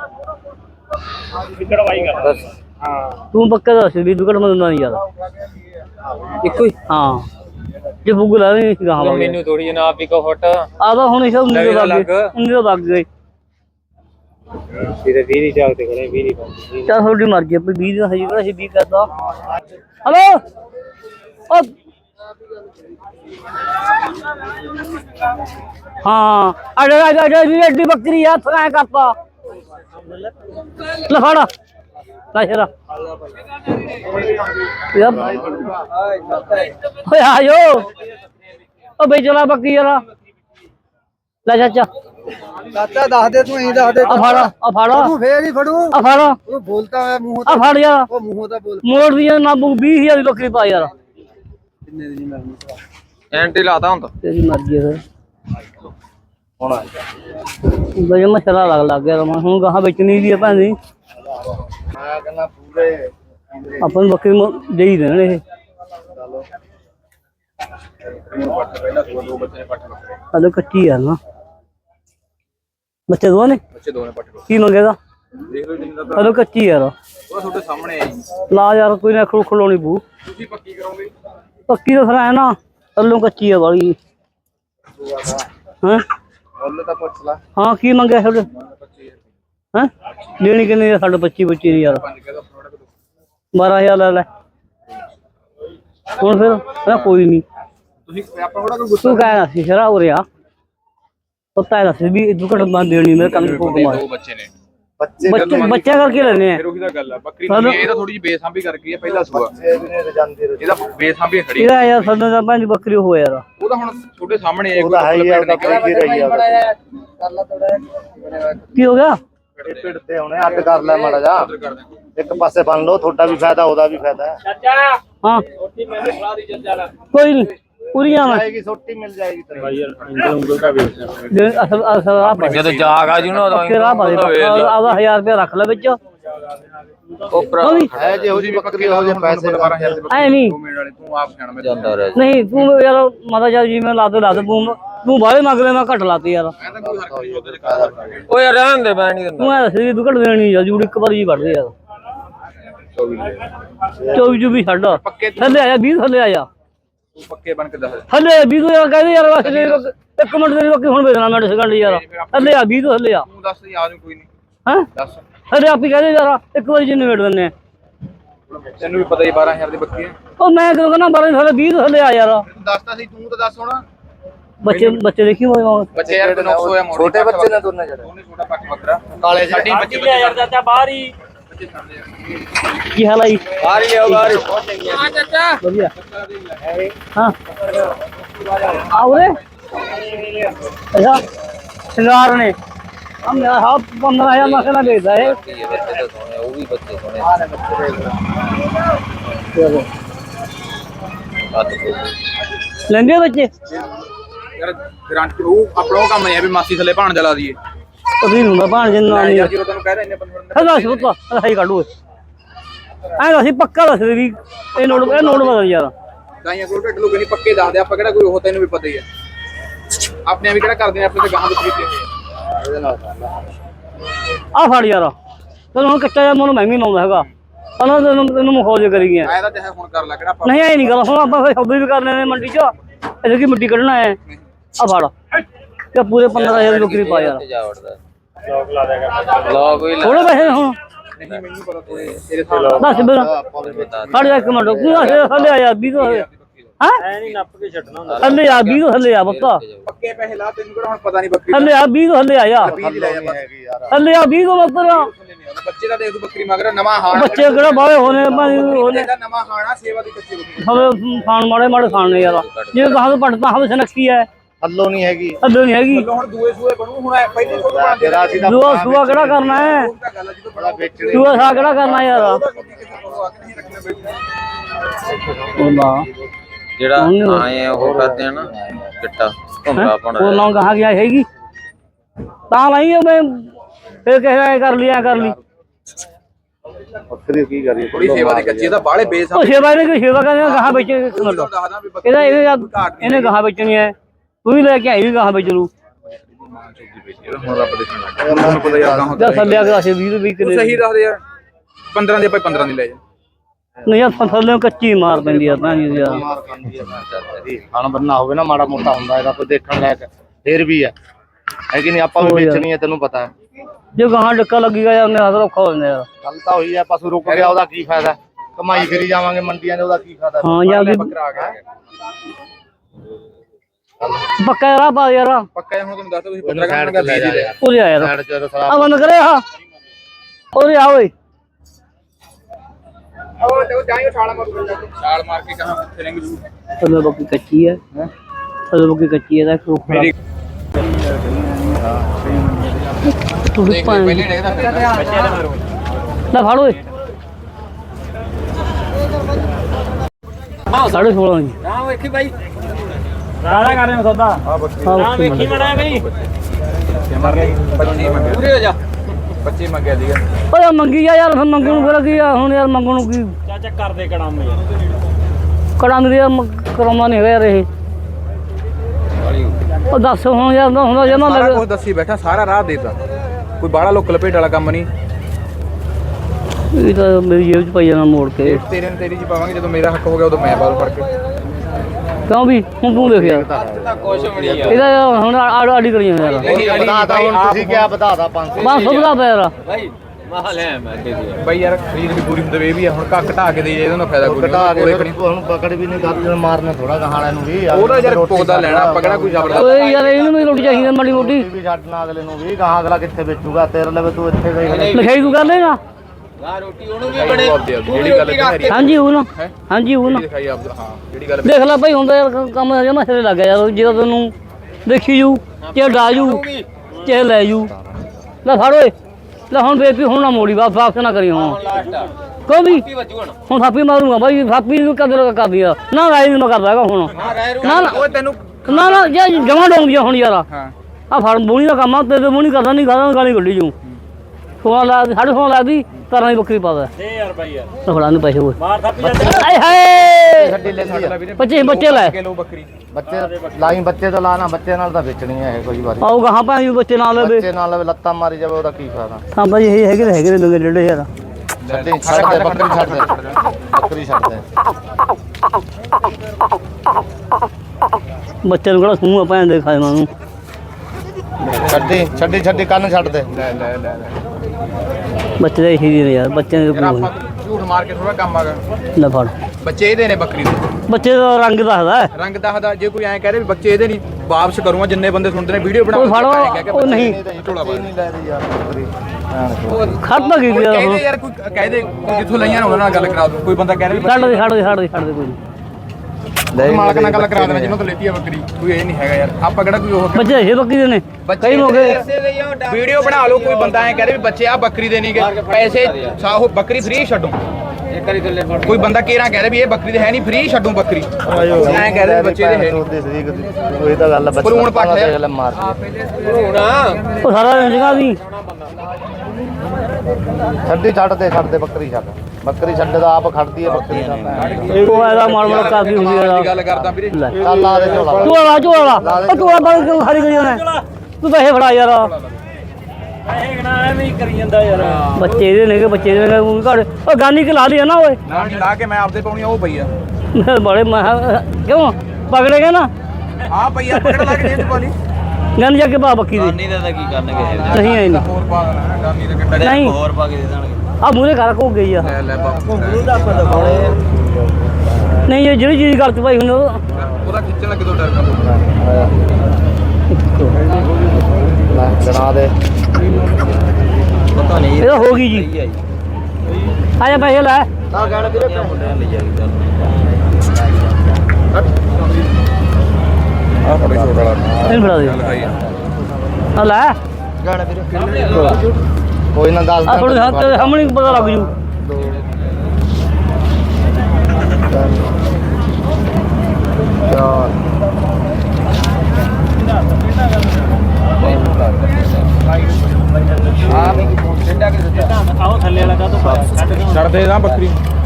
Speaker 3: ਵਿਕੜਵਾਈ ਕਰ
Speaker 1: ਤੂੰ ਬੱਕਰਾ ਦੱਸ ਵੀ ਦੁਕੜ ਮੰਨਦਾ ਨਹੀਂ ਯਾਰ
Speaker 2: ਇੱਕੋ ਹੀ
Speaker 1: ਹਾਂ ਜੇ ਬੁੱਗ ਲਾ ਨਹੀਂ ਗਾਹਾਂ ਵਾਲੇ
Speaker 2: ਮੈਨੂੰ ਥੋੜੀ ਜਨਾਬ ਪਿਕੋ ਫੁੱਟ
Speaker 1: ਆਦਾ ਹੁਣ ਇਹ 19 ਦਾ ਲੱਗ ਗਏ
Speaker 2: ਇਹਦੇ 20 ਦੀ ਚਾਲ ਤੇ ਕਰੇ 20 ਦੀ ਪਾਉਂਦੀ
Speaker 1: ਚੱਲ ਤੁਹਾਡੀ ਮਰਜ਼ੀ ਆਪੇ 20 ਦਾ ਹਜੀ ਕਿਹੜਾ 20 ਕਰਦਾ ਹਲੋ ਓ ਹਾਂ ਅੜੇ ਵੀ ਐਡੀ ਬੱਕਰੀ ਆ ਥਾਂ ਕਰਤਾ ਲੈ ਫੜਾ ਲੈ ਸ਼ਰਾ ਓਏ ਆਜੋ ਓ ਬਈ ਚਲਾ ਬੱਕਰੀ ਯਾਰ ਲੈ ਚਾਚਾ
Speaker 2: ਚਾਚਾ ਦੱਸ ਦੇ ਤੂੰ ਇਹੀ ਦੱਸ ਦੇ
Speaker 1: ਆ ਫੜਾ
Speaker 2: ਤੂੰ ਫੇਰ ਹੀ ਫੜੂ
Speaker 1: ਆ ਫੜਾ
Speaker 2: ਉਹ ਬੋਲਦਾ ਹੋਇਆ ਮੂੰਹ
Speaker 1: ਆ ਫੜ ਯਾਰ
Speaker 2: ਉਹ ਮੂੰਹੋਂ ਤਾਂ ਬੋਲ
Speaker 1: ਮੋੜ ਦੀ ਨਾ 20000 ਦੀ ਬੱਕਰੀ ਪਾ ਯਾਰ
Speaker 2: ਕਿੰਨੇ ਦੀ ਨਹੀਂ ਮਿਲਣੀ ਐਂਟੀ ਲਾਤਾ ਹੁੰਦਾ
Speaker 1: ਤੇਰੀ ਮਰਜ਼ੀ ਹੈ ਹੁਣ ਬਈ ਮਸਲਾ ਲੱਗ ਗਿਆ ਹੁਣ ਗਾਹਾਂ ਵੇਚਣੀ ਦੀ ਆ ਭਾਂਦੀ
Speaker 4: ਮੈਂ ਕਹਿੰਦਾ ਪੂਰੇ
Speaker 1: ਆਪਾਂ ਨੂੰ ਬੱਕਰੀ ਦੇਈ ਦੇਣ ਇਹ
Speaker 3: ਪਹਿਲਾਂ ਦੋ ਬੱਚੇ ਨੇ ਪੱਠ ਬੱਕਰੇ
Speaker 1: ਹਲੇ ਕੱਚੀ ਆ ਨਾ ਬੱਚੇ ਦੋ ਨੇ
Speaker 3: ਬੱਚੇ ਦੋ ਨੇ ਪੱਠ ਬੱਕਰੇ
Speaker 1: ਕੀ ਮੰਗੇਗਾ
Speaker 3: ਦੇਖ ਲਓ ਜਿੰਨਾ ਦਾ
Speaker 1: ਹਲੇ ਕੱਚੀ ਯਾਰ
Speaker 3: ਉਹ ਤੁਹਾਡੇ ਸਾਹਮਣੇ ਹੈ ਜੀ
Speaker 1: ਲਾ ਯਾਰ ਕੋਈ ਨਾ ਖਲੋਣੀ ਬੂ
Speaker 3: ਤੁਸੀਂ ਪੱਕੀ ਕਰੋਗੇ
Speaker 1: ਪੱਕੀ ਤਾਂ ਫਿਰ ਐ ਨਾ ਥੱਲੋਂ ਕੱਚੀ ਆ ਵਾਲੀ ਹਾਂ
Speaker 4: ਮੁੱਲ ਤਾਂ ਪੁੱਛ ਲੈ
Speaker 1: ਹਾਂ ਕੀ ਮੰਗਿਆ ਤੁਹਾਡੇ ਹਾਂ ਲੈਣੀ ਕਿੰਨੀ ਆ ਸਾਡੇ 25 ਦੀ ਯਾਰ 12000 ਲੈ ਲੈ ਹੁਣ ਫਿਰ ਕੋਈ ਨਹੀਂ
Speaker 3: ਤੁਸੀਂ ਆਪਾਂ ਥੋੜਾ ਕੋਈ ਗੁੱਸਾ
Speaker 1: ਤੂੰ ਕਹਿਣਾ ਸੀ ਸ਼ਰਾ ਹੋ ਰਿਹਾ ਪਤਾ ਹੈ ਸੀ ਵੀ ਦੁਕੜ ਬੰਦ ਦੇਣੀ ਮੇਰੇ ਕੰਮ ਕੋ ਕਮਾ
Speaker 3: ਦੋ ਬੱਚੇ ਨੇ
Speaker 1: ਬੱਚਾ ਕਰਕੇ ਲੈਣੇ ਆ
Speaker 3: ਫਿਰ ਉਹੀ ਤਾਂ ਗੱਲ ਆ ਬੱਕਰੀ ਨੂੰ ਇਹ ਤਾਂ ਥੋੜੀ ਜਿਹੀ ਬੇਸਾਂਭੀ ਕਰ ਗਈ ਹੈ ਪਹਿਲਾ ਸੂਆ
Speaker 4: ਜਾਂਦੀ
Speaker 3: ਇਹਦਾ ਬੇਸਾਂਭੀ ਖੜੀ
Speaker 1: ਇਹਦਾ ਯਾਰ ਸਾਡਾ ਤਾਂ ਪੰਜ ਬੱਕਰੀ ਹੋ ਯਾਰ
Speaker 3: ਉਹ ਤਾਂ ਹੁਣ ਤੁਹਾਡੇ ਸਾਹਮਣੇ ਹੈ
Speaker 4: ਉਹਦਾ ਹੈ ਹੀ ਆ ਉਹਦਾ ਕੋਈ ਰਹੀ ਆ
Speaker 1: ਕੀ ਹੋ ਗਿਆ
Speaker 4: ਪਿੰਡ ਤੇ ਹੁਣੇ ਅੱਡ ਕਰ ਲੈ ਮਾੜਾ ਜਾ ਇੱਕ ਪਾਸੇ ਬਣ ਲਓ ਤੁਹਾਡਾ ਵੀ ਫਾਇਦਾ ਉਹਦਾ ਵੀ ਫਾਇਦਾ
Speaker 1: ਹਾਂ ਕੋਈ ਨਹੀਂ ਪੂਰੀਆਂ ਮੈਂ
Speaker 4: ਆਏਗੀ ਛੋਟੀ ਮਿਲ ਜਾਏਗੀ ਤੇਰੇ
Speaker 1: ਅਸਲ ਆ ਪਾ
Speaker 2: ਜਦੋਂ ਜਾਗ ਆ ਜੂ ਨਾ
Speaker 1: ਕਿਹੜਾ ਪਾ ਦੇ ਆਦਾ 1000 ਰੁਪਏ ਰੱਖ ਲੈ ਵਿੱਚ
Speaker 2: ਉਹ ਭਰਾ
Speaker 4: ਹੈ ਜੇ ਉਹਦੀ ਬੱਕਰੀ ਹੋ ਜੇ ਪੈਸੇ
Speaker 3: 12000 ਦੇ
Speaker 1: ਐ ਨਹੀਂ
Speaker 3: ਦੋ ਮਿੰਟ ਵਾਲੇ ਤੂੰ ਆਪ ਜਾਣਾ ਮੈਂ
Speaker 2: ਜਾਂਦਾ ਰਹਿ
Speaker 1: ਨਹੀਂ ਤੂੰ ਯਾਰ ਮਾਤਾ ਜੀ ਜਿਵੇਂ ਲਾ ਦੇ ਤੂੰ ਬਾਹਲੇ ਮੰਗ ਲੈ ਮੈਂ ਘੱਟ ਲਾਤੀ ਯਾਰ
Speaker 3: ਮੈਂ ਤਾਂ ਕੋਈ ਹਰਕਤ ਨਹੀਂ ਉਹਦੇ ਚ
Speaker 2: ਓ ਯਾਰ ਰਹਿਣ ਦੇ ਮੈਂ ਨਹੀਂ ਦਿੰਦਾ
Speaker 1: ਤੂੰ ਐ ਸੀ ਦੁਕੜ ਦੇਣੀ ਆ ਜੂੜ ਇੱਕ ਵਾਰ ਜੀ ਵੱਢ ਦੇ ਯਾਰ 24 ਜੂ ਵੀ ਛੱਡ ਥੱਲੇ ਆਇਆ 20 ਥੱਲੇ ਆਇਆ
Speaker 3: ਤੂੰ ਪੱਕੇ ਬਣ ਕੇ ਦੱਸ
Speaker 1: ਥੱਲੇ 20 ਤੋਂ ਯਾਰ ਕਹਿੰਦੇ ਯਾਰ ਵਾਸਤੇ ਇੱਕ ਮਿੰਟ ਦੇ ਬਾਕੀ ਹੁਣ ਵੇਚਣਾ ਮੈਂ ਸੈਕਿੰਡ ਯਾਰ ਥੱਲੇ ਆ 20 ਤੋਂ ਥੱਲੇ ਆ
Speaker 3: ਤੂੰ ਦੱਸ ਆ ਜਾਊ ਕੋਈ ਨਹੀਂ
Speaker 1: ਹਾਂ
Speaker 3: ਦੱਸ
Speaker 1: ਥੱਲੇ ਆਪੀ ਕਹਿੰਦੇ ਯਾਰ ਇੱਕ ਵਾਰੀ ਜਿੰਨੇ ਵੇਚ ਦਿੰਨੇ
Speaker 3: ਤੈਨੂੰ ਵੀ ਪਤਾ ਹੀ 12000 ਦੀ ਬੱਕਰੀ ਹੈ
Speaker 1: ਉਹ ਮੈਂ ਕਿਉਂ ਕਹਿੰਦਾ 12 ਥੱਲੇ 20 ਤੋਂ ਥੱਲੇ ਆ ਯਾਰ
Speaker 3: ਤੂੰ ਦੱਸਦਾ ਸੀ ਤੂੰ ਤਾਂ ਦੱਸ ਹੁਣ
Speaker 1: ਬੱਚੇ ਦੇਖੀ ਹੋਏ
Speaker 3: ਬੱਚੇ ਯਾਰ 900 ਹੋਇਆ ਮੋੜ
Speaker 4: ਛੋਟੇ ਬੱਚੇ ਨੇ ਦੋਨੇ ਜਿਹੜੇ
Speaker 3: ਉਹਨੇ ਛੋਟਾ ਪੱਕ ਬੱਕਰਾ
Speaker 4: ਕਾਲੇ
Speaker 3: ਸਾਡੀ ਬੱਚੇ ਯਾਰ
Speaker 2: ਚਾਚਾ ਬਾਹਰ ਹੀ
Speaker 3: ਬੱਚੇ ਛੱਡਦੇ ਆ
Speaker 1: ਕੀ ਹਾਲ ਆਈ
Speaker 2: ਬਾਹਰ ਹੀ ਆਓ ਬਾਹਰ ਆ ਚਾਚਾ
Speaker 1: ਵਧੀਆ ਹਾਂ ਆਉਰੇ ਅੱਛਾ ਸ਼ਿੰਗਾਰ ਨੇ ਹਮ ਹਾਂ 15000 ਮਸਲਾ ਵੇਚਦਾ ਹੈ
Speaker 2: ਉਹ ਵੀ ਬੱਚੇ ਸੋਹਣੇ
Speaker 1: ਲੈਂਦੇ ਬੱਚੇ
Speaker 3: ਯਾਰ ਗਰੰਟੀ ਉਹ ਆਪਣਾ ਉਹ ਕੰਮ ਨਹੀਂ ਹੈ ਵੀ ਮਾਸੀ ਥੱਲੇ ਭਾਣ ਜਲਾ ਦਈਏ
Speaker 1: ਉਹਦੀ ਹੁੰਦਾ ਭਾਣ ਜਿੰਨਾ ਨਹੀਂ
Speaker 3: ਯਾਰ ਜਦੋਂ ਤੈਨੂੰ ਕਹਿ ਰਹੇ ਇੰਨੇ ਬੰਦੇ
Speaker 1: ਹਲਾ ਸੁੱਤਾ ਸਹੀ ਕੱਢੋ ਐਂ ਅਸੀਂ ਪੱਕਾ ਦੱਸ ਦੇ ਵੀ ਇਹ ਨੋਟ ਬਦਲ ਯਾਰ
Speaker 3: ਗਾਈਆਂ ਕੋਲ ਢੱਡ ਲੋਕ ਨਹੀਂ ਪੱਕੇ ਦੱਸਦੇ ਆਪਾਂ ਕਿਹੜਾ ਕੋਈ ਉਹ ਤੈਨੂੰ ਵੀ ਪਤਾ ਹੀ ਹੈ ਆਪਣੇ ਵੀ ਕਿਹੜਾ ਕਰਦੇ ਨੇ ਆਪਣੇ ਤੇ ਗਾਹਾਂ ਬੱਕਰੀ ਤੇ
Speaker 4: ਇਹਦੇ ਨਾਲ
Speaker 1: ਆ ਫੜ ਯਾਰ ਤੈਨੂੰ ਹੁਣ ਕੱਚਾ ਜਿਹਾ ਮੈਨੂੰ ਮਹਿੰਗੀ ਲਾਉਂਦਾ ਹੈਗਾ ਉਹਨਾਂ ਤੈਨੂੰ ਮਖੌਲ ਕਰੀ ਗਿਆ
Speaker 3: ਮੈਂ ਤਾਂ ਚਾਹੇ ਹੁਣ ਕਰ ਲੈ ਕਿਹੜਾ
Speaker 1: ਨਹੀਂ ਐ ਨਹੀਂ ਕਰ ਹੁਣ ਆਪਾਂ ਫਿਰ ਸੌਦੇ ਵੀ ਕਰ ਲੈਣੇ ਮੰਡੀ ਚ ਇਹਦੇ ਕੀ ਮਿੱਟੀ ਕੱਢਣਾ ਹੈ ਆ ਫੜ ਤੇ ਪੂਰੇ 15000 ਦੀ ਬੱਕਰੀ ਪਾ ਯਾਰ ਥੋੜੇ ਪੈਸੇ ਹੁਣ
Speaker 3: ਨਹੀਂ ਮੈਨੂੰ ਪਤਾ ਤੇਰੇ ਸਾਹ
Speaker 1: ਦੱਸ ਬਿਰ ਫੜ ਜਾ ਇੱਕ ਮਿੰਟ ਤੂੰ ਥੱਲੇ ਆ ਯਾਰ 20 ਤੋਂ ਹਾਂ
Speaker 2: ਐ ਨਹੀਂ ਨੱਪ ਕੇ ਛੱਡਣਾ ਹੁੰਦਾ
Speaker 1: ਥੱਲੇ ਆ 20 ਤੋਂ ਥੱਲੇ ਆ ਬੱਤਾ
Speaker 3: ਪੱਕੇ ਪੈਸੇ ਲਾ ਤੈਨੂੰ ਕਿਹੜਾ ਹੁਣ ਪਤਾ ਨਹੀਂ ਬੱਕਰੀ
Speaker 1: ਥੱਲੇ ਆ 20 ਤੋਂ ਥੱਲੇ ਆ ਯਾਰ
Speaker 3: ਦੀ ਲੈ ਜਾ
Speaker 4: ਹੈਗੀ ਯਾਰ
Speaker 1: ਥੱਲੇ ਆ 20 ਤੋਂ ਬੱਤਰ
Speaker 3: ਬੱਚੇ ਦਾ ਦੇਖ ਤੂੰ ਬੱਕਰੀ ਮਗਰ ਨਵਾਂ ਹਾਣ
Speaker 1: ਬੱਚੇ ਕਿਹੜਾ ਬਾਹਲੇ ਹੋਣੇ ਭਾਈ ਹੋਣੇ
Speaker 3: ਇਹਦਾ ਨਵਾਂ ਹਾਣਾ ਸੇਵਾ ਦੀ ਕੱਚੀ ਬੱਕਰੀ
Speaker 1: ਹਵੇ ਖਾਣ ਮਾੜੇ ਖਾਣ ਨੇ ਯਾਰ ਜੇ ਕਹਾਂ ਤੋਂ ਪੜਤਾ ਹਵੇ ਸਨਕਤੀ ਹੈ
Speaker 4: ਥੱਲੋਂ ਨਹੀਂ ਹੈਗੀ
Speaker 1: ਅੱਧੋ ਨਹੀਂ ਹੈਗੀ
Speaker 3: ਹੁਣ ਦੂਏ ਸੂਏ ਬਣੂ ਹੁਣ ਪਹਿਲੇ ਸੂਏ ਬਣਾ ਦੇ
Speaker 4: ਤੇਰਾ ਅਸੀਂ ਤਾਂ
Speaker 1: ਦੂਆ ਸੂਆ ਕਿਹੜਾ ਕਰਨਾ ਹੈ
Speaker 3: ਗੱਲ ਆ ਜਦੋਂ ਬੜਾ
Speaker 4: ਵੇਚਣੀ
Speaker 1: ਦੂਆ ਸਾ ਕਿਹੜਾ ਕਰਨਾ ਯਾਰ ਉਹਦਾ
Speaker 5: ਜਿਹੜਾ ਆਏ ਆ ਉਹ ਕਰਦੇ ਆ ਨਾ ਚਿੱਟਾ ਧੁੰਦਾ ਪਣ
Speaker 1: ਉਹ ਨਾ ਕਹਾ ਗਿਆ ਹੈਗੀ ਤਾਂ ਨਹੀਂ ਮੈਂ ਫੇਰ ਕਹਿਆ ਕਰ ਲਿਆ ਕਰ ਲਈ
Speaker 4: ਬੱਕਰੀ ਕੀ ਕਰੀਏ
Speaker 3: ਥੋੜੀ ਸੇਵਾ ਦੀ ਕੱਚੀ ਇਹਦਾ ਬਾਹਲੇ ਬੇਸ ਆ
Speaker 1: ਉਹ ਸੇਵਾ ਨੇ ਕੋਈ ਸੇਵਾ ਕਰਨੀ ਕਹਾ ਵੇਚ
Speaker 3: ਦੱਸਦਾ ਵੀ ਬੱਕਰੀ
Speaker 1: ਇਹਨੇ ਕਹਾ ਵੇਚਣੀ ਹੈ ਤੂੰ ਵੀ ਲੈ ਕੇ ਆਈ ਵੀ ਕਹਾ ਵੇਚ ਲੂ
Speaker 3: ਹੁਣ ਰੱਬ ਦੇ ਖਾਣਾ ਤੁਹਾਨੂੰ ਪਤਾ ਯਾਰ ਗਾਹਾਂ
Speaker 1: ਜਾਂ ਥੱਲੇ ਆ ਕੇ 20 20 ਕਿਲੇ
Speaker 3: ਸਹੀ ਦੱਸਦੇ ਯਾਰ 15 ਦੇ ਆਪਾਂ 15 ਦੀ ਲੈ ਜਾ
Speaker 1: ਨਹੀਂ ਯਾਰ ਥੱਲੇ ਕੱਚੀ ਮਾਰ ਪੈਂਦੀ ਆ ਤਾਂ ਯਾਰ
Speaker 4: ਖਾਣ ਬੰਨਾ ਹੋਵੇ ਨਾ ਮਾੜਾ ਮੋਟਾ ਹੁੰਦਾ ਇਹਦਾ ਕੋਈ ਦੇਖਣ ਲਾਇਕ ਫੇਰ ਵੀ ਹੈ ਕਿ ਨਹੀਂ ਆਪਾਂ ਵੀ ਵੇਚਣੀ ਹੈ ਤੈਨੂੰ ਪਤਾ ਹੈ
Speaker 1: ਜੇ ਗਾਹਾਂ ਡੱਕਾ ਲੱਗੇਗਾ ਯਾਰ ਨੇ ਹੱਥ ਔਖਾ ਹੋ ਜਾਂਦਾ ਯਾਰ
Speaker 4: ਗੱਲ ਤਾਂ ਹੋਈ ਹੈ ਪਸ਼ੂ ਰੁਕ ਗਿਆ ਉਹਦਾ ਕੀ ਫਾਇਦਾ ਕਮਾਈ ਕਰੀ ਜਾਵਾਂਗੇ ਮੰਡੀਆਂ ਦੇ ਉਹਦਾ ਕੀ ਫਾਇਦਾ
Speaker 1: ਹਾਂ ਯਾਰ
Speaker 3: ਬੱਕਰਾ ਆ ਗਿਆ
Speaker 1: ਪੱਕਾ ਯਾਰ ਪਾ ਯਾਰ
Speaker 3: ਪੱਕਾ ਹੁਣ ਤੁਹਾਨੂੰ ਦੱਸਦਾ ਤੁਸੀਂ 15 ਘੰਟੇ ਦਾ ਲੈ ਜਾ
Speaker 1: ਉਰੇ ਆ ਯਾਰ
Speaker 4: ਸਾਈਡ ਚ
Speaker 1: ਆ ਬੰਦ ਕਰੇ ਆ ਉਰੇ ਆ ਓਏ
Speaker 3: ਉਹ ਤੇ ਜਾਈਓ ਛਾਲ ਮਾਰੂ ਛਾਲ ਮਾਰ ਕੇ ਕਹਾਂ ਫਿਰਿੰਗ ਜੂ
Speaker 1: ਥੱਲੇ ਬੱਕੀ ਕੱਚੀ ਹੈ ਥੱਲੇ ਬੱਕੀ ਕੱਚੀ ਹੈ ਦਾ ਖੋਖੜਾ ਤੂੰ
Speaker 3: ਦੇਖ ਲੈ ਪਹਿਲੇ ਦੇਖਦਾ ਫਿਰ
Speaker 1: ਲੈ ਫੜ ਓਏ 16.5 ਜੀ
Speaker 2: ਹਾਂ ਵੇਖੀ ਬਾਈ
Speaker 1: ਰਾੜਾ ਕਰ ਰਹੇ ਸੌਦਾ ਹਾਂ
Speaker 2: ਵੇਖੀ ਮੜਾ ਬਈ
Speaker 3: ਮਰ ਲਈ 25 ਮੰਗਿਆ ਪੂਰੇ ਹੋ ਜਾ 25 ਮੰਗਿਆ ਸੀਗਾ
Speaker 1: ਓਏ ਮੰਗੀ ਯਾਰ ਫਿਰ ਮੰਗਣ ਨੂੰ ਫਿਰ ਕੀ ਆ ਹੁਣ ਯਾਰ ਮੰਗਣ ਨੂੰ ਕੀ
Speaker 2: ਚਾਚਾ ਕਰਦੇ ਕੜਾਮ ਯਾਰ
Speaker 1: ਕੜਾਂ ਦੇ ਕਰਾਉਣਾ ਨਹੀਂ ਹੋਇਆ ਇਹ ਉਹ ਦੱਸ ਹੁਣ ਯਾਰ ਹੁੰਦਾ ਜਮਾ
Speaker 3: ਸਾਰਾ
Speaker 1: ਲੱਗ
Speaker 3: ਕੁਝ ਦੱਸੀ ਬੈਠਾ ਸਾਰਾ ਰਾਹ ਦੇਤਾ ਕੋਈ ਬਾਹਲਾ ਲੋਕ ਲਪੇਟ ਵਾਲਾ ਕੰਮ ਨਹੀਂ
Speaker 1: ਇਹ ਤਾਂ ਮੇਰੀ ਜੇਬ ਚ ਪਈ ਜਾਣਾ ਮੋੜ ਕੇ
Speaker 3: ਤੇਰੇ ਨੂੰ ਤੇਰੀ ਜੀ ਪਾਵਾਂਗੇ ਜਦੋਂ ਮੇਰਾ ਹੱਕ ਹੋ ਗਿਆ ਉਦੋਂ ਮੈਂ ਬਾਲ ਫੜ ਕੇ
Speaker 1: ਕਿਉਂ ਵੀ ਹੁਣ ਤੂੰ ਦੇਖ ਯਾਰ
Speaker 2: ਕੁਛ ਵੀ ਨਹੀਂ ਯਾਰ
Speaker 1: ਇਹਦਾ ਹੁਣ ਆੜੀ ਕਰੀ ਜਾਂਦਾ ਯਾਰ
Speaker 4: ਬਤਾਦਾ ਹੁਣ ਤੁਸੀਂ ਕਿਆ ਬਤਾਦਾ 500
Speaker 1: ਬਸ ਸੁਭਦਾ ਪਿਆ ਯਾਰ
Speaker 2: ਬਾਈ ਮਾਹ ਲੈ ਮੈਂ ਦੇ ਦਿਆ
Speaker 3: ਬਈ ਯਾਰ ਖਰੀਦ ਵੀ ਪੂਰੀ ਹੁੰਦੇ ਇਹ ਵੀ ਆ ਹੁਣ ਘੱਟ ਘਟਾ ਕੇ ਦੇ ਇਹਦਾ ਨਾ ਫਾਇਦਾ ਕੋਈ
Speaker 4: ਘਟਾ ਕੇ
Speaker 3: ਨਹੀਂ
Speaker 4: ਫਿਰ ਹੁਣ ਪਕੜ ਵੀ ਨਹੀਂ ਕਰਦੇ ਮਾਰਨੇ ਥੋੜਾ ਗਹਾਲੇ ਨੂੰ ਵੀ
Speaker 3: ਉਹਦਾ ਯਾਰ ਪੌਦਾ ਲੈਣਾ ਪਕੜਾ ਕੋਈ ਜ਼ਬਰਦਸਤ
Speaker 1: ਓਏ ਯਾਰ ਇਹਨੂੰ ਵੀ ਰੋਟੀ ਚਾਹੀਦੀ ਮਾੜੀ ਮੋਟੀ
Speaker 4: ਵੀ ਛੱਡਣਾ ਅਗਲੇ ਨੂੰ ਵੀ ਗਾਹਾਂ ਅਗਲਾ ਕਿੱਥੇ ਵੇਚੂਗਾ ਤੇਰੇ ਲਵੇ ਤੂੰ ਇੱਥੇ ਗਈ
Speaker 1: ਲਿਖਾਈ ਤੂੰ ਕਰ ਲੇਗਾ
Speaker 2: ਆ ਰੋਟੀ ਉਹਨੂੰ ਵੀ ਬਣੇ
Speaker 3: ਜਿਹੜੀ ਗੱਲ ਤੇ
Speaker 1: ਹਾਂਜੀ ਉਹ ਨਾ ਹਾਂਜੀ ਉਹ ਨਾ
Speaker 3: ਦਿਖਾਈ ਆਪ ਹਾਂ ਜਿਹੜੀ ਗੱਲ
Speaker 1: ਦੇਖ ਲੈ ਭਾਈ ਹੁੰਦਾ ਯਾਰ ਕੰਮ ਜਮਾ ਸਿਰੇ ਲੱਗ ਗਿਆ ਯਾਰ ਜਿਹੜਾ ਤੈਨੂੰ ਦੇਖੀ ਜੂ ਤੇ ਡਾ ਜੂ ਤੇ ਲੈ ਜੂ ਲੈ ਫੜ ਓਏ ਲੈ ਹੁਣ ਬੇਪੀ ਹੁਣ ਨਾ ਮੋੜੀ ਵਾਪਸ ਨਾ ਕਰੀ ਹੁਣ ਕੋਈ ਵੀ
Speaker 2: ਵੱਜੂ ਹਣ
Speaker 1: ਹੁਣ ਥਾਪੀ ਮਾਰੂੰਗਾ ਬਾਈ ਥਾਪੀ ਨੂੰ ਕਦਰ ਕਰਦੀ ਆ ਨਾ ਰਾਈ ਨਹੀਂ ਮੈਂ ਕਰਦਾ ਹੈਗਾ ਹੁਣ ਨਾ ਨਾ
Speaker 3: ਓਏ ਤੈਨੂੰ
Speaker 1: ਨਾ ਜੇ ਜਮਾ ਡੋਂਗੀ ਹੁਣ ਯਾਰ
Speaker 3: ਹਾਂ
Speaker 1: ਆ ਫੜ ਬੋਣੀ ਦਾ ਕੰਮ ਆ ਤੇ ਬੋਣੀ ਕਰਦਾ ਨਹੀਂ ਕਰਦਾ ਗਾਲੀ ਗੱਡੀ ਜੂ 16 ਲਾ 16.5 ਲਾ ਦੀ ਤਾਰਾਂ ਦੀ ਬੱਕਰੀ ਪਾ ਦੇ
Speaker 2: ਦੇ ਯਾਰ ਬਾਈ ਯਾਰ
Speaker 1: ਫੜਾ ਨੂੰ ਪੈਸੇ ਹੋਏ
Speaker 2: ਮਾਰ ਥਾਪੀ ਜਾ
Speaker 1: ਆਏ ਹਾਏ
Speaker 4: ਛੱਡੀ ਲੈਂਦੀ ਆ
Speaker 1: ਬੱਚੇ ਬੱਚੇ ਲੈ
Speaker 3: ਕਿਲੋ ਬੱਕਰੀ
Speaker 4: ਬੱਚੇ ਲਾਈ ਬੱਚੇ ਤਾਂ ਲਾਣਾ ਬੱਚੇ ਨਾਲ ਤਾਂ ਵੇਚਣੀ ਹੈ ਇਹ ਕੋਈ ਵਾਰੀ
Speaker 1: ਆਓ ਗਾਹਾਂ ਭਾਈ ਬੱਚੇ ਨਾਲ ਲੈ
Speaker 4: ਬੱਚੇ ਨਾਲ ਲਵੇ ਲੱਤਾਂ ਮਾਰੀ ਜਾਵੇ ਉਹਦਾ ਕੀ ਫਾਇਦਾ
Speaker 1: ਹਾਂ ਭਾਈ ਇਹ ਹੈਗੇ ਨੇ ਲੰਗੇ ਡੇਡੇ ਯਾਰ
Speaker 4: ਛੱਡੀ ਛੱਡ ਦੇ ਬੱਕਰੀ ਛੱਡ ਦੇ ਬੱਕਰੀ ਛੱਡ ਦੇ
Speaker 1: ਬੱਚੇ ਨੂੰ ਕਿਹੜਾ ਸੂਹ ਆਪਾਂ ਦੇ ਖਾਏ ਮਾਨੂੰ
Speaker 4: ਛੱਡੀ ਛੱਡੀ ਛੱਡੀ ਕੰਨ ਛੱਡ ਦੇ
Speaker 3: ਲੈ ਲੈ ਲੈ
Speaker 1: ਬੱਚੇ ਦੇ ਹੀ ਨੇ ਯਾਰ ਬੱਚਿਆਂ ਦੇ
Speaker 3: ਯਾਰ ਆਪਾਂ ਝੂਠ ਮਾਰ ਕੇ ਥੋੜਾ ਕੰਮ ਆਗਾ
Speaker 1: ਲੈ ਫੜ
Speaker 3: ਬੱਚੇ ਇਹਦੇ ਨੇ ਬੱਕਰੀ ਦੇ
Speaker 1: ਬੱਚੇ ਦਾ ਰੰਗ ਦੱਸਦਾ ਹੈ।
Speaker 3: ਰੰਗ ਦੱਸਦਾ ਜੇ ਕੋਈ ਐਂ ਕਹੇ ਵੀ ਬੱਚੇ ਇਹਦੇ ਨਹੀਂ ਵਾਪਸ ਕਰੂੰਗਾ ਜਿੰਨੇ ਬੰਦੇ ਸੁਣਦੇ ਨੇ ਵੀਡੀਓ ਬਣਾ
Speaker 1: ਉਹ ਫੜੋ ਉਹ ਨਹੀਂ
Speaker 3: ਝੋਲਾ ਪਾ
Speaker 4: ਨਹੀਂ ਲੈ ਰਹੀ ਯਾਰ ਬੱਕਰੀ
Speaker 1: ਖੜਦਾ ਕੀ ਯਾਰ ਹੁਣ
Speaker 3: ਕਹਿੰਦੇ ਯਾਰ ਕੋਈ ਕਹਦੇ ਜਿੱਥੋਂ ਲਈਆਂ ਉਹਨਾਂ ਨਾਲ ਗੱਲ ਕਰਾ ਦੋ ਕੋਈ ਬੰਦਾ ਕਹਿ ਰਿਹਾ
Speaker 1: ਛੱਡ ਦੇ ਛੱਡ ਦੇ ਛੱਡ ਦੇ ਛੱਡ ਦੇ ਕੋਈ
Speaker 3: ਵੀ ਮਾਲਕ ਨਾਲ ਗੱਲ ਕਰਾ ਦੇਣਾ ਜਿਹਨਾਂ ਤੋਂ ਲੈਤੀ ਆ ਬੱਕਰੀ ਕੋਈ ਇਹ ਨਹੀਂ ਹੈਗਾ ਯਾਰ ਆਪਾਂ ਕਿਹੜਾ ਕੋਈ ਉਹ
Speaker 1: ਬੱਚੇ ਇਹ ਬੱਕਰੀ ਦੇ ਨੇ ਕਈ ਹੋ ਗਏ
Speaker 3: ਵੀਡੀਓ ਬਣਾ ਲਓ ਕੋਈ ਬੰਦਾ ਐਂ ਕਹਦੇ ਵੀ ਬੱਚੇ ਆ ਬੱਕਰੀ ਦੇ ਨਹੀਂ ਗਏ ਪੈਸੇ ਉਹ ਬੱਕਰੀ ਫ੍ਰੀ ਛੱਡੋ
Speaker 2: ਇੱਕ ਵਾਰੀ ਥੱਲੇ ਫੜ
Speaker 3: ਕੋਈ ਬੰਦਾ ਕੇਰਾ ਕਹਦੇ ਵੀ ਇਹ ਬੱਕਰੀ ਦੇ ਹੈ ਨਹੀਂ ਫ੍ਰੀ ਛੱਡੂ ਬੱਕਰੀ ਐਂ ਕਹਦੇ ਵੀ ਬੱਚੇ ਦੇ ਹੈ ਨਹੀਂ
Speaker 4: ਕੋਈ ਤਾਂ ਗੱਲ ਬੱਚੇ
Speaker 3: ਭਰੂਣ ਪੱਠ ਹੈ।
Speaker 4: ਦੇਖ ਲੈ ਮਾਰ
Speaker 2: ਹੁਣ
Speaker 1: ਉਹ ਸਾਰਾ ਜਗ੍ਹਾ ਦੀ
Speaker 4: ਛੱਡੀ ਛੱਡ ਦੇ ਬੱਕਰੀ ਛੱਡ ਦਾ ਆਪ ਖੜਦੀ ਹੈ ਬੱਕਰੀ ਦਾ
Speaker 1: ਉਹ ਇਹਦਾ ਮਾਰ ਮਾਰ ਕਰਦੀ ਹੁੰਦੀ ਆ
Speaker 3: ਗੱਲ ਕਰਦਾ ਵੀਰੇ
Speaker 4: ਚੱਲ ਲਾ ਦੇ ਝੋਲਾ
Speaker 1: ਝੋਲਾ ਉਹ ਝੋਲਾ ਬਾਲ ਕਿਉਂ ਖਾਲੀ ਕਰੀ ਜਾਣਾ ਤੂੰ ਪੈਸੇ ਫੜਾ ਯਾਰ ਬੱਚੇ ਇਹਦੇ ਨੇ ਬੱਚੇ ਦੇ ਨੇ ਘਰ ਉਹ ਗਾਨੀ ਕਿ ਲਾ ਲਿਆ ਨਾ ਓਏ
Speaker 3: ਨਾ ਲਾ ਕੇ ਮੈਂ ਆਪਦੇ ਪਾਉਣੀ ਉਹ ਪਈ ਆ
Speaker 1: ਬੜੇ ਕਿਉਂ ਪਕੜੇਗਾ ਨਾ
Speaker 3: ਆ ਪਈ ਆ ਪਕੜ ਲਾ ਕੇ ਜੇਬ ਵਾਲੀ
Speaker 1: ਗੰਨ ਜਾ ਕੇ ਪਾ ਬੱਕੀ ਦੀ
Speaker 5: ਨਹੀਂ ਦਾ ਕੀ ਕਰਨਗੇ
Speaker 1: ਨਹੀਂ ਆਈ ਨਹੀਂ
Speaker 3: ਹੋਰ ਪਾ ਦੇਣਾ ਗਾਮੀ ਦਾ ਕਿੱਡਾ
Speaker 1: ਨਹੀਂ
Speaker 5: ਹੋਰ ਪਾ ਕੇ ਦੇ ਦੇਣਗੇ
Speaker 1: ਆ ਮੂਰੇ ਘਰ ਕੋ ਗਈ ਆ
Speaker 3: ਲੈ ਬਾਪੂ
Speaker 1: ਨਹੀਂ ਇਹ ਜਿਹੜੀ ਚੀਜ਼ ਕਰ ਤੂੰ ਭਾਈ ਹੁਣ
Speaker 3: ਉਹਦਾ ਖਿੱਚਣ ਲੱਗੇ ਤੋਂ ਡਰ ਕਾ
Speaker 4: ਗਣਾ ਦੇ
Speaker 5: ਪਤਾ ਨਹੀਂ
Speaker 1: ਇਹ ਤਾਂ ਹੋ ਗਈ ਜੀ ਆ ਜਾ ਪੈਸੇ ਲੈ
Speaker 5: ਤਾਂ ਗਾਣ ਵੀਰੇ ਮੁੰਡਿਆਂ ਲਈ ਜਾਗੀ ਚੱਲ
Speaker 3: ਆ ਬੜੀ ਛੋਟ ਵਾਲਾ
Speaker 1: ਇਹਨੂੰ ਫੜਾ ਦੇ
Speaker 3: ਲਗਾਈ
Speaker 1: ਆ ਲੈ
Speaker 5: ਗਾਣ ਵੀਰੇ
Speaker 4: ਕੋਈ ਨਾ ਦੱਸ
Speaker 1: ਆ ਥੋੜੇ ਹੱਥ ਤੇ ਸਾਹਮਣੇ ਪਤਾ ਲੱਗ ਜੂ
Speaker 3: ਆ ਡੇਡਾ ਕੇ ਦਿੱਤਾ
Speaker 1: ਆਓ ਥੱਲੇ ਵਾਲਾ ਕਾ ਤੋਂ
Speaker 3: ਛੱਡ ਦੇ ਨਾ ਬੱਕਰੀ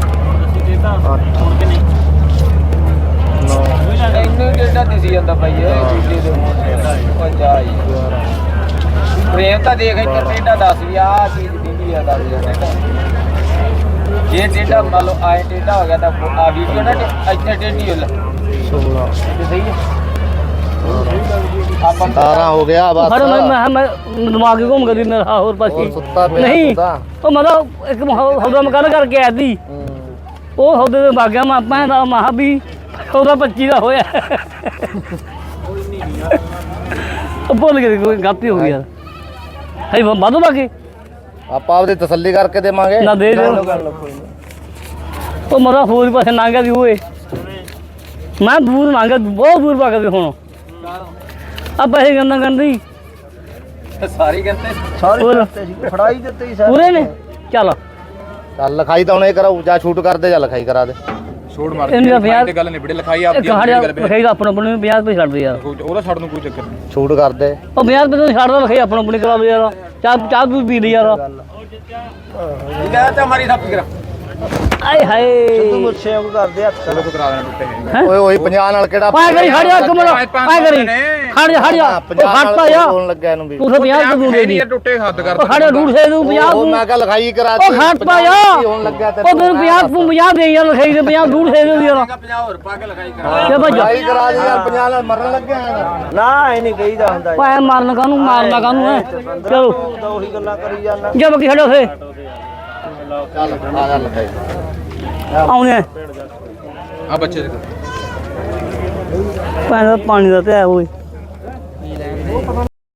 Speaker 5: ਇੰਨੇ ਡੇਟਾ ਦਿਸੀ ਜਾਂਦਾ ਭਾਈ ਇਹ ਦੂਜੇ ਦੇ ਮੂੰਹ ਤੇ ਜਾਈ ਪ੍ਰੇਮ ਤਾਂ ਦੇਖ ਇੱਥੇ ਡੇਟਾ ਦੱਸ ਵੀ ਆ ਚੀਜ਼ ਦੀ ਆ ਦੱਸ ਜਾਂਦਾ ਜੇ ਡੇਟਾ ਮੰਨ ਲਓ ਆਏ ਡੇਟਾ ਹੋ ਗਿਆ ਤਾਂ ਆ ਵੀਡੀਓ ਨਾ ਇੱਥੇ ਡੇਟੀ ਹੋ ਲੈ
Speaker 4: 16
Speaker 5: ਸਹੀ ਹੈ ਆਪਾਂ
Speaker 4: 17 ਹੋ ਗਿਆ ਬਸ
Speaker 1: ਹਰ ਮੈਂ ਦਿਮਾਗ ਹੀ ਘੁੰਮ ਗਈ ਮੇਰਾ ਹੋਰ ਪਾਸੇ
Speaker 4: ਹੋਰ ਸੁੱਤਾ ਪਿਆ
Speaker 1: ਨਹੀਂ
Speaker 4: ਸੁੱਤਾ।
Speaker 1: ਉਹ ਮਤਲਬ ਇੱਕ ਹੌਦਾ ਮਕਾਨ ਕਰਕੇ ਆਇਆ ਸੀ ਉਹ ਹੌਦੇ ਦੇ ਬਾਗਿਆ ਮੈਂ ਦਾ ਮਹਾ ਵੀ ਉਹਦਾ 25 ਦਾ ਹੋਇਆ ਉਹ ਭੁੱਲ ਗਏ ਕੋਈ ਗਲਤੀ ਹੋ ਗਈ ਯਾਰ ਹੈ ਵਾਧੂ ਬਾਕੀ
Speaker 4: ਆਪਾਂ ਆਪਦੀ ਤਸੱਲੀ ਕਰਕੇ ਦੇਵਾਂਗੇ
Speaker 1: ਨਾ ਦੇ ਦਿਓ ਉਹ ਮਰਾ ਹੋਰ ਪਾਸੇ ਨਾਂਗਾ ਦੀ ਹੋਏ ਮੈਂ ਦੂਰ ਨਾਂਗਾ ਬਹੁਤ ਦੂਰ ਪਾ ਕੇ ਹੁਣ ਆ ਪੈਸੇ ਗੰਦਾ ਗੰਦੀ
Speaker 5: ਸਾਰੀ ਕਹਿੰਦੇ
Speaker 2: ਫੜਾਈ ਦਿੱਤੇ
Speaker 1: ਪੂਰੇ ਨੇ ਚੱਲ
Speaker 4: ਚੱਲ ਲਿਖਾਈ ਤਾਂ ਉਹਨੇ ਕਰਾਉ ਜਾਂ ਛੂਟ ਕਰਦੇ ਜਾਂ ਲਿਖਾਈ ਕਰਾ ਦੇ
Speaker 3: ਛੋੜ ਮਾਰ
Speaker 1: ਇਹਨੂੰ ਤਾਂ
Speaker 3: ਲਿਖਾਈ ਤੇ ਗੱਲ ਨਿਬੜੇ ਲਿਖਾਈ ਆਪਦੀ
Speaker 1: ਖੜ ਜਾ
Speaker 3: ਗੱਲ
Speaker 1: ਲਿਖਾਈ ਦਾ ਆਪਣਾ ਆਪਣੇ 50 ਰੁਪਏ ਛੱਡ ਦੇ ਯਾਰ
Speaker 3: ਉਹਦਾ ਛੱਡ ਨੂੰ ਕੋਈ ਚੱਕਰ ਨਹੀਂ
Speaker 4: ਛੂਟ ਕਰਦੇ
Speaker 1: ਉਹ 50 ਰੁਪਏ ਤੋਂ ਛੱਡ ਦਾ ਲਿਖਾਈ ਆਪਣਾ ਆਪਣੇ ਕਰਾ ਲਓ ਯਾਰ ਚਾਹ ਤੂੰ ਪੀ ਲਈ ਯਾਰ
Speaker 5: ਇਹ ਤਾਂ ਮਾਰੀ ਥਾਪੀ ਕਰਾ
Speaker 1: ਆਏ ਹਾਏ
Speaker 2: ਮੁੱਛੇ ਉਹ ਕਰਦੇ ਹੱਥ
Speaker 3: ਚਲੋ ਤੂੰ ਕਰਾ ਦੇਣਾ ਟੁੱਟੇ
Speaker 4: ਓਏ ਓਏ 50 ਨਾਲ ਕਿਹੜਾ
Speaker 1: ਪਾਏ ਕਰੀ ਖੜ ਜਾ ਕਮਲ ਪਾਏ ਕਰੀ ਖੜ ਜਾ ਖੜਤਾ ਯਾਰ
Speaker 4: ਬੋਲਣ ਲੱਗਿਆ ਇਹਨੂੰ ਵੀ
Speaker 1: ਤੂੰ ਤਾਂ 50 ਤੂੰ ਦੇ ਦੀ
Speaker 3: ਟੁੱਟੇ ਹੱਦ ਕਰ
Speaker 1: ਉਹ ਖੜ ਡੂੜ ਸੇ ਤੂੰ 50
Speaker 4: ਉਹ
Speaker 1: ਤੂੰ
Speaker 4: ਮੈਂ ਕਿਹਾ ਲਿਖਾਈ ਕਰਾ
Speaker 1: ਉਹ ਖੜਤਾ ਯਾਰ
Speaker 4: ਹੋਣ ਲੱਗਿਆ ਤੇ
Speaker 1: ਉਹ ਤੈਨੂੰ 50 ਤੂੰ 50 ਦੇ ਯਾਰ ਲਿਖਾਈ ਦੇ 50 ਡੂੜ ਸੇ ਦੇ ਯਾਰ
Speaker 5: 50 ਹੋਰ ਪਾ ਕੇ ਲਗਾਈ ਕਰਾ
Speaker 1: ਤੇ ਭੱਜ
Speaker 4: ਲਿਖਾਈ ਕਰਾ ਦੇ ਯਾਰ 50 ਨਾਲ ਮਰਨ ਲੱਗਿਆ
Speaker 2: ਨਾ ਇਹ ਨਹੀਂ ਕਹੀਦਾ ਹੁੰਦਾ
Speaker 1: ਪਾਏ ਮਾਰਨ ਕਾਨੂੰ ਮਾਰਨਾ ਕਾਨੂੰ ਹੈ ਚਲੋ
Speaker 2: ਤਾਂ ਉਹੀ ਗੱਲਾਂ ਕਰੀ ਜਾਂਦਾ
Speaker 1: ਜਾ ਬੱਕੀ ਖੜੋ ਫੇ
Speaker 4: ਚੱਲ ਆ ਜਾ ਲਿਖਾਈ
Speaker 1: ਆਉਣੇ
Speaker 3: ਆ ਬੱਚੇ ਦੇ
Speaker 1: ਪਾਣੀ ਦਾ ਤੇ ਹੈ ਓਏ